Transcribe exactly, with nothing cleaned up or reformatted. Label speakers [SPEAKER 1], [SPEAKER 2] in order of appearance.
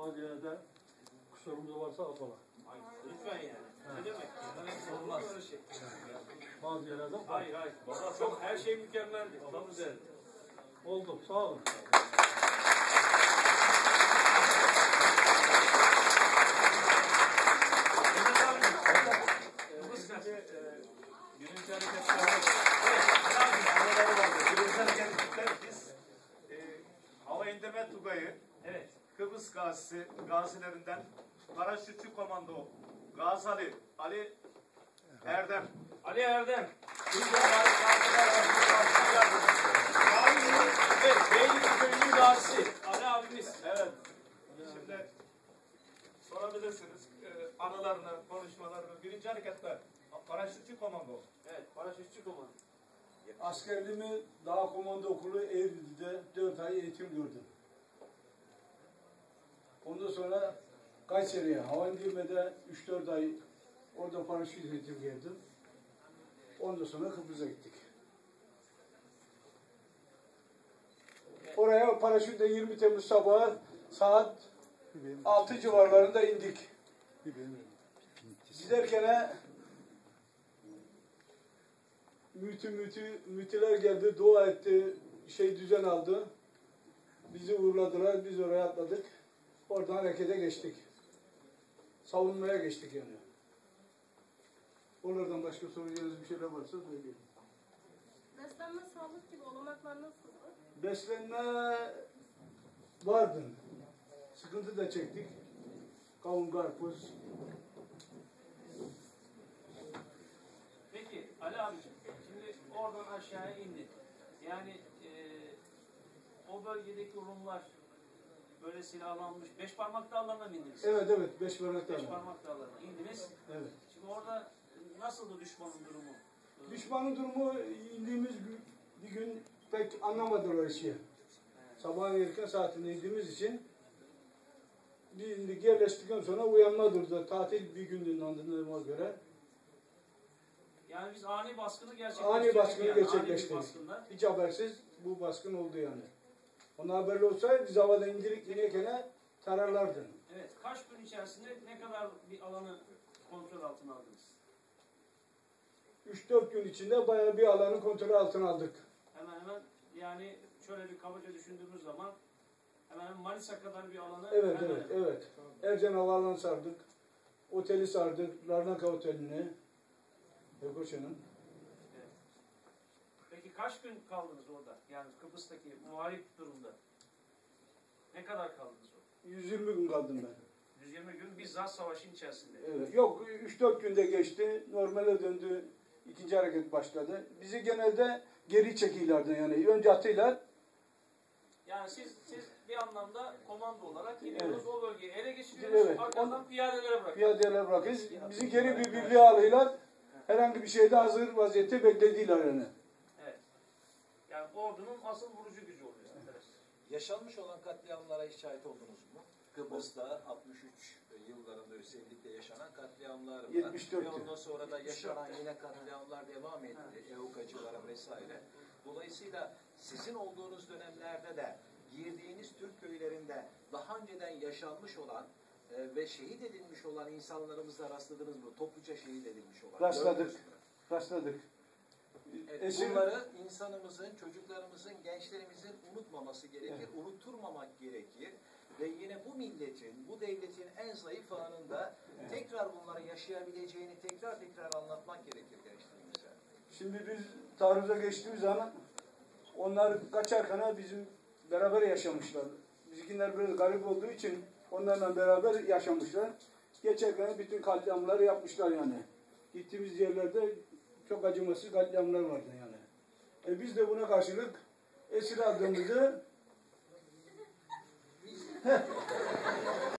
[SPEAKER 1] bazı yerlerde kusurumuz varsa affola.
[SPEAKER 2] Lütfen yani. Ne demek? Olmaz. Şey.
[SPEAKER 1] Bazı yerlerde affola.
[SPEAKER 2] Hayır hayır. Baba çok her şey mükemmeldi. Çok güzeldi.
[SPEAKER 1] Oldu. Sağ olun.
[SPEAKER 2] Birinci hareketler Birinci hareketler biz e, hava indirme tugayı evet. Kıbrıs gazisi gazilerinden paraşütçü komando Gazali Ali Erdem Ali Erdem evet, Beylik Köyü'nün gazisi Ali abimiz evet. Şimdi sorabilirsiniz e, anılarını, konuşmalarını. Birinci hareketler paraşütçü komando. Evet, paraşütçü komando.
[SPEAKER 3] Askerliğimi Dağ Komando Okulu Eylül'de dört ay eğitim gördüm. Ondan sonra Kayseri'ye hava indirmede üç dört ay orada paraşüt eğitim gördüm. Ondan sonra Kıbrıs'a gittik. Oraya paraşütle yirmi Temmuz sabahı saat altı civarlarında indik. Giderken mütü mütü mütüler geldi, dua etti, şey düzen aldı. Bizi uğurladılar, biz oraya atladık. Oradan harekete geçtik. Savunmaya geçtik yani. Oradan başka soracağınız bir şeyler varsa söyleyin.
[SPEAKER 4] Beslenme, sağlık gibi olanaklar nasıldı?
[SPEAKER 3] Beslenme vardı. Sıkıntı da çektik. Kavun, karpuz.
[SPEAKER 2] Peki Ali abiciğim, şimdi oradan aşağıya indin. Yani e, o bölgedeki Rumlar böyle silahlanmış. Beş parmak dağlarına mı indiniz?
[SPEAKER 3] Evet evet, beş parmak dağlarına.
[SPEAKER 2] Beş parmak dağlarına indiniz.
[SPEAKER 3] Evet.
[SPEAKER 2] Şimdi orada nasıldı düşmanın durumu?
[SPEAKER 3] Düşmanın durumu indiğimiz bir gün pek anlamadılar işi. Evet. Sabahın erken saatinde indiğimiz için bir indik, yerleştikten sonra uyanma durdu. Tatil bir gündü anladığıma göre.
[SPEAKER 2] Yani biz ani baskını gerçekleştirdik.
[SPEAKER 3] Ani baskını
[SPEAKER 2] yani.
[SPEAKER 3] gerçekleştirdik. Hiç habersiz bu baskın oldu yani. Ona haberli olsaydı biz havada indirik inerken tararlardı.
[SPEAKER 2] Evet. Kaç gün içerisinde ne kadar bir alanı kontrol altına aldınız?
[SPEAKER 3] üç dört gün içinde bayağı bir alanı kontrol altına aldık.
[SPEAKER 2] Hemen hemen yani şöyle bir kabaca düşündüğümüz zaman hemen hemen Manisa kadar bir alanı
[SPEAKER 3] evet
[SPEAKER 2] hemen
[SPEAKER 3] evet
[SPEAKER 2] hemen.
[SPEAKER 3] evet. Ercan Havaalanı sardık. Oteli sardık. Larnaka Oteli'ni. Yokoşan'ın.
[SPEAKER 2] Evet. Peki kaç gün kaldınız orada? Yani Kıbrıs'taki muharip durumda. Ne kadar kaldınız orada?
[SPEAKER 3] yüz yirmi gün kaldım ben.
[SPEAKER 2] yüz yirmi gün bizzat savaşın içerisinde.
[SPEAKER 3] Evet. Yok üç dört günde geçti. Normale döndü. İkinci hareket başladı. Bizi genelde geri çekiyorlardı yani. Önce atıyorlar.
[SPEAKER 2] Yani siz siz bir anlamda komando olarak gidiyorsunuz evet. O bölgeyi ele geçiriyoruz.
[SPEAKER 3] Evet.
[SPEAKER 2] Arkadan piyadelere bırakıyoruz.
[SPEAKER 3] Piyadelere bırakıyoruz. Bizi geri bir birliğe alıyorlar. Herhangi bir şeyde hazır vaziyette beklediler yani.
[SPEAKER 2] Evet. Yani ordunun asıl vurucu gücü oluyor arkadaşlar.
[SPEAKER 5] Yaşanmış olan katliamlara hiç şahit oldunuz mu? Kıbrıs'ta altmış üç yıllarında özellikle yaşanan katliamlar var.
[SPEAKER 3] yetmiş dört.
[SPEAKER 5] Ve ondan sonra da yaşanan yine katliamlar devam etti. Evukacılara vesaire. Dolayısıyla sizin olduğunuz dönemlerde de girdiğiniz Türk köylerinde daha önceden yaşanmış olan e, ve şehit edilmiş olan insanlarımızla rastladınız mı? Topluca şehit edilmiş olan.
[SPEAKER 3] Rastladık. Rastladık.
[SPEAKER 5] Evet,
[SPEAKER 3] Esir...
[SPEAKER 5] Bunları insanımızın, çocuklarımızın, gençlerimizin unutmaması gerekir, evet. Unutturmamak gerekir. Ve yine bu milletin, bu devletin en zayıf anında evet. Tekrar bunları yaşayabileceğini tekrar tekrar anlatmak gerekir gençlerimize.
[SPEAKER 3] Şimdi biz taarruza geçtiğimiz zaman onlar kaçarken bizim beraber yaşamışlar. Bizimkiler biraz garip olduğu için onlarla beraber yaşamışlar. Geçerken bütün katliamları yapmışlar yani. Gittiğimiz yerlerde çok acımasız katliamlar vardı yani. E biz de buna karşılık esir aldığımızı